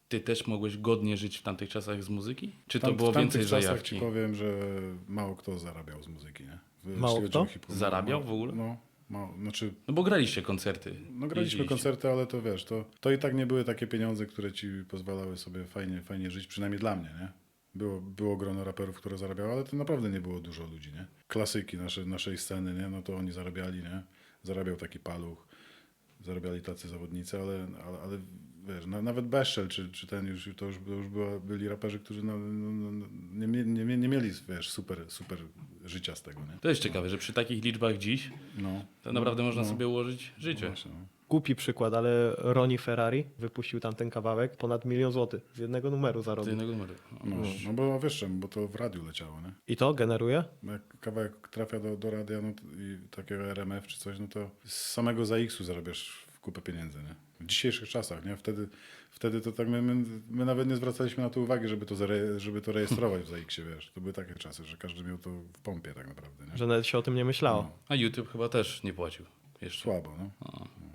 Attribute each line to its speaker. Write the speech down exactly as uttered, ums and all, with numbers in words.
Speaker 1: ty też mogłeś godnie żyć w tamtych czasach z muzyki? Czy to
Speaker 2: Tam,
Speaker 1: było
Speaker 2: w tamtych
Speaker 1: więcej
Speaker 2: czasach
Speaker 1: zajawki?
Speaker 2: ci powiem, że mało kto zarabiał z muzyki, nie? Jeśli
Speaker 3: Mało
Speaker 2: chodzi
Speaker 3: kto?
Speaker 2: o hip-hop.
Speaker 1: Zarabiał
Speaker 2: No,
Speaker 1: w ogóle?
Speaker 2: No, mało, znaczy,
Speaker 1: No bo graliście koncerty.
Speaker 2: no graliśmy
Speaker 1: jeździliście.
Speaker 2: koncerty, ale to wiesz, to, to i tak nie były takie pieniądze, które ci pozwalały sobie fajnie, fajnie żyć, przynajmniej dla mnie, nie? Było, było grono raperów, które zarabiało, ale to naprawdę nie było dużo ludzi, nie? Klasyki nasze, naszej sceny, nie? No to oni zarabiali, nie? Zarabiał taki Paluch, zarabiali tacy zawodnicy, ale, ale, ale wiesz, na, nawet Beszczel czy, czy ten już, to już, to już była, byli raperzy, którzy no, no, no, nie, mie- nie, mie- nie mieli, wiesz, super, super życia z tego, nie?
Speaker 1: To jest ciekawe, że przy takich liczbach dziś
Speaker 2: No.
Speaker 1: to naprawdę można
Speaker 2: no.
Speaker 1: sobie ułożyć życie.
Speaker 2: Właśnie, no.
Speaker 3: Głupi przykład, ale Ronnie Ferrari wypuścił tam ten kawałek, ponad milion złotych z jednego numeru
Speaker 1: Z
Speaker 3: zarobił.
Speaker 1: jednego numeru.
Speaker 2: No, no bo wiesz czemu, bo to w radiu leciało, nie?
Speaker 3: I to generuje?
Speaker 2: Bo jak kawałek trafia do, do radia no, to, i takiego R M F czy coś, no to z samego za X-u zarabiasz w kupę pieniędzy, nie? W dzisiejszych czasach, nie? Wtedy, wtedy to tak my, my, my nawet nie zwracaliśmy na to uwagi, żeby to, zare, żeby to rejestrować w za X-ie, wiesz? To były takie czasy, że każdy miał to w pompie tak naprawdę, nie?
Speaker 3: Że nawet się o tym nie myślało.
Speaker 2: No,
Speaker 1: A YouTube chyba też nie płacił jeszcze.
Speaker 2: słabo, no.
Speaker 1: A.